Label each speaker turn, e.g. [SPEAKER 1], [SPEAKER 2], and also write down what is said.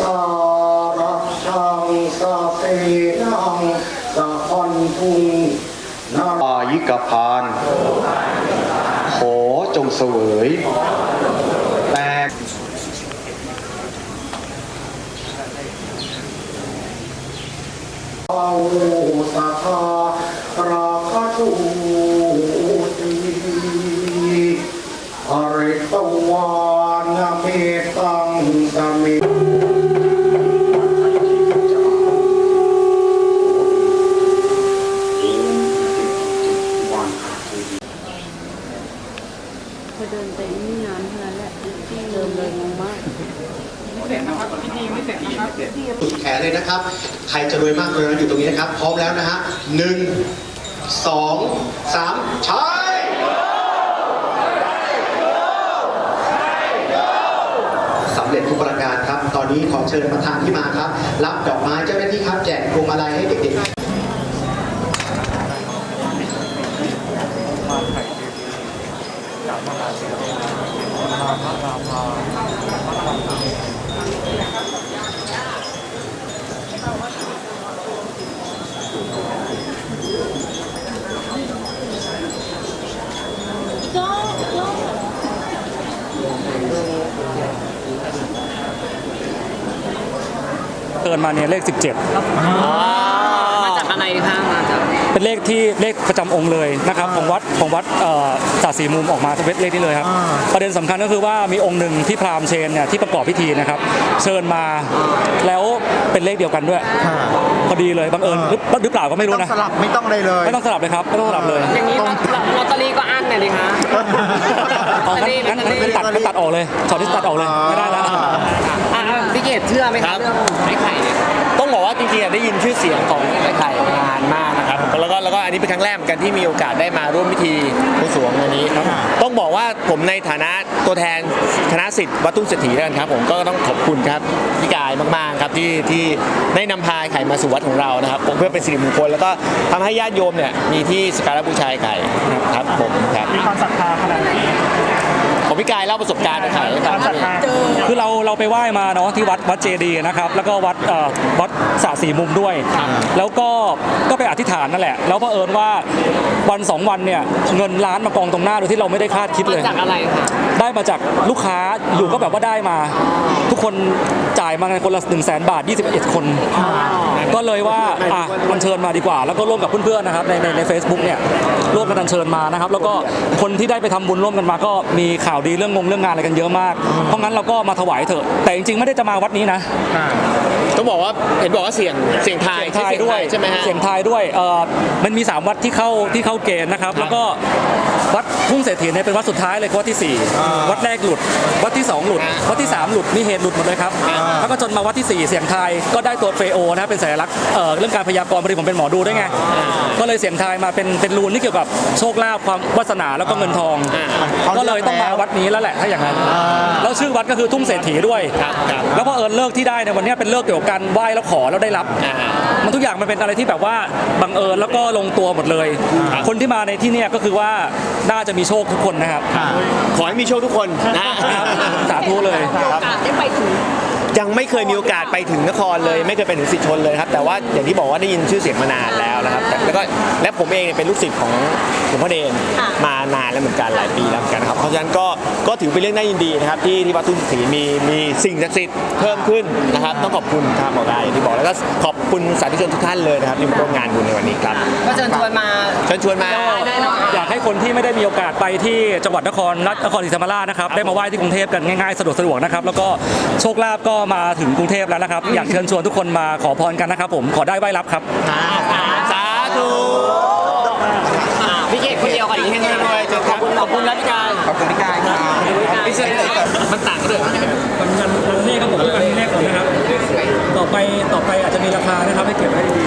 [SPEAKER 1] การะชังสะเปนังสะพันธุงนาอายิกพานขอจงเสวยแต่อาวุสัทธาราคะตุติอริตวานเมตังสมิ
[SPEAKER 2] พอเดินไปนี่นานเท่านั้นแหละที่เดินเลยงงมาก
[SPEAKER 3] เสร็จนะครับพิธีไม่เสร็จนะครับ
[SPEAKER 4] สุดแขนเลยนะครับใครจะรวยมากรวยน้อยอยู่ตรงนี้นะครับพร้อมแล้วนะฮะ1 2 3ใช้สำเร็จทุกประการครับตอนนี้ขอเชิญประธานที่มาครับรับดอกไม้เจ้าหน้าที่ครับแจกพวงมาลัยให้เด็กๆ
[SPEAKER 5] เกินมาเนี่ยเลข17
[SPEAKER 3] มาจากอะไรคะมาจาก
[SPEAKER 5] เป็นเลขประจำองค์เลยนะครับของวัดจ่าสีมุมออกมาเป็นเลขนี้เลยครับประเด็นสำคัญก็คือว่ามีองค์หนึ่งที่พราหมณ์เชนเนี่ยที่ประกอบพิธีนะครับเชิญมาแล้วเป็นเลขเดียวกันด้วยพอดีเลยบังเอิญหรือเปล่าก็ไม่รู้นะ
[SPEAKER 1] สลับไม่ต้องเลย
[SPEAKER 5] ไม่ต้องสลับเลยครับไม่ต้องสลับเลย
[SPEAKER 3] อย่างนี้ลอตเตอรี่ก็อั้นเลยดิคะ
[SPEAKER 5] งั้นตัดออกเลยช็อตที่ตัดออกเลยไม่ได้แล้ว
[SPEAKER 3] พี่เกดเชื่อไหมครับเรื่องไอ้ไข่เนี่ยต้องบอกว่าจริงๆได้ยินชื่อเสียงของไอ้ไข่มานานมากนะครับแล้วก็อันนี้เป็นครั้งแรกเหมือนกันที่มีโอกาสได้มาร่วมพิธีบวงสรวงอันนี้ต้องบอกว่าผมในฐานะตัวแทนคณะศิษย์วัดทุ่งเศรษฐีแล้วกันครับผมก็ต้องขอบคุณครับพี่กายมากๆครับที่ได้นำพาไข่มาสู่วัดของเรานะครับเพื่อเป็นสิริมงคลแล้วก็ทำให้ญาติโยมเนี่ยมีที่สักการะบูชาไข่ครับผมครับ
[SPEAKER 5] มีความศรัทธาขนาดไหน
[SPEAKER 3] ผมพี่กายเล่าประสบการณ์ไข่ให้ฟัง
[SPEAKER 5] คือเราไปไหว้มาเนาะที่วัดเจดีย์นะครับแล้วก็วัดสระสีมุมด้วยแล้วก็ไปอธิษฐานนั่นแหละแล้วเผอิญว่าวัน2วันเนี่ยเงินล้านมากองตรงหน้าโดยที่เราไม่ได้คาดคิดเลย
[SPEAKER 3] มาจากอะไรคะ
[SPEAKER 5] ได้มาจากลูกค้าอยู่ก็แบบว่าได้มาทุกคนจ่ายมากันคนละ100,000 บาท21คนก็เลยว่าอัญเชิญมาดีกว่าแล้วก็ร่วมกับเพื่อนๆนะครับใน Facebook เนี่ยร่วมกันอัญเชิญมานะครับแล้วก็คนที่ได้ไปทำบุญร่วมกันมาก็มีข่าวดีเรื่องงานอะไรกันเยอะมากเพราะงั้นเราก็มาถวายเถอะแต่จริงๆไม่ได้จะมาวัดนี้นะ
[SPEAKER 3] ต้องบอกว่าเห็นบอกว่าเสียงทาย
[SPEAKER 5] ด้วย
[SPEAKER 3] ใช่ไหมฮะ
[SPEAKER 5] เสียงทายด้วยมันมี3วัดที่เข้าเกณฑ์นะครับแล้วก็วัดทุ่งเศรษฐีเนี่ยเป็นวัดสุดท้ายเลยวัดที่4วัดแรกหลุดวัดที่2หลุดวัดที่3หลุดมีเหตุหลุดหมดเลยครับแล้วก็จนมาวัดที่4เสียงทายก็ได้ตัวเฟโอนะเป็นสัญลักษณ์เรื่องการพยากรณ์พอดีผมเป็นหมอดูด้วยไงก็เลยเสียงทายมาเป็นรูนที่เกี่ยวกับโชคลาภความวาสนาแล้วก็เงินทองก็เลยต้องมาวัดนี้แล้วแหละถ้าอย่างนั้นแล้วชื่อวัดก็คือทุ่งเศรษฐีด้วยแล้วพอเลิกที่ได้ในวันนี้เป็นเลิกเกี่ยวกับการไหว้แล้วขอแล้วได้รับมันทุกอย่างมันเป็นอะไรที่แบบว่าบังเอิญแล้วก็ลงตัวหมดเลยคนที่มาในที่นี้ก็คือว่าน่าจะมีโชคทุกคนนะครับ
[SPEAKER 3] ขอให้มีโชคทุกคน
[SPEAKER 5] นะครับสาธุเลย
[SPEAKER 3] ได้ไปถึงยังไม่เคยมีโอกาสไปถึงนครเลยไม่เคยไปถึงสิทธิชนเลยครับแต่ว่าอย่างที่บอกว่าได้ยินชื่อเสียงมานานแล้วนะครับและผมเองเป็นลูกศิษย์ของหลวงพ่อเดชมานานแล้วเหมือนกันหลายปีแล้วเหมือนกันครับเพราะฉะนั้นก็ถือเป็นเรื่องน่ายินดีนะครับที่วัดทุ่งเศรษฐีมีสิ่งศักดิ์สิทธิ์เพิ่มขึ้นนะครับต้องขอบคุณครับหมอไก่อย่างที่บอกแล้วก็ขอบคุณสาธุชนทุกท่านเลยนะครับที่มาร่วมงานบุญในวันนี้ครับก็เชิญชวนมา
[SPEAKER 5] อยากให้คนที่ไม่ได้มีโอกาสไปที่จังหวัดนครศรีธรรมราชนะครับได้มาไหว้ที่กรุงเทพกันง่ายๆสะดวกนะครับแล้วก็โชคลาภก็มาถึงกรุงเทพแล้วนะครับอยากเชิญชวนทุกคนมาขอพรกันนะครับผมขอได้ไหว้รับครับ
[SPEAKER 3] สาธุพี่เกศคนเดียวกันอีกแค่นี้เลยขอบคุณแล้วพี่กาย
[SPEAKER 1] ขอบคุณพี่กายครับ
[SPEAKER 3] พี่เสกมันต่างกันเลย
[SPEAKER 5] มันเลขครับผมเป็นเลขก่อนนะครับต่อไปอาจจะมีราคานะครับให้เก็บไว้ดี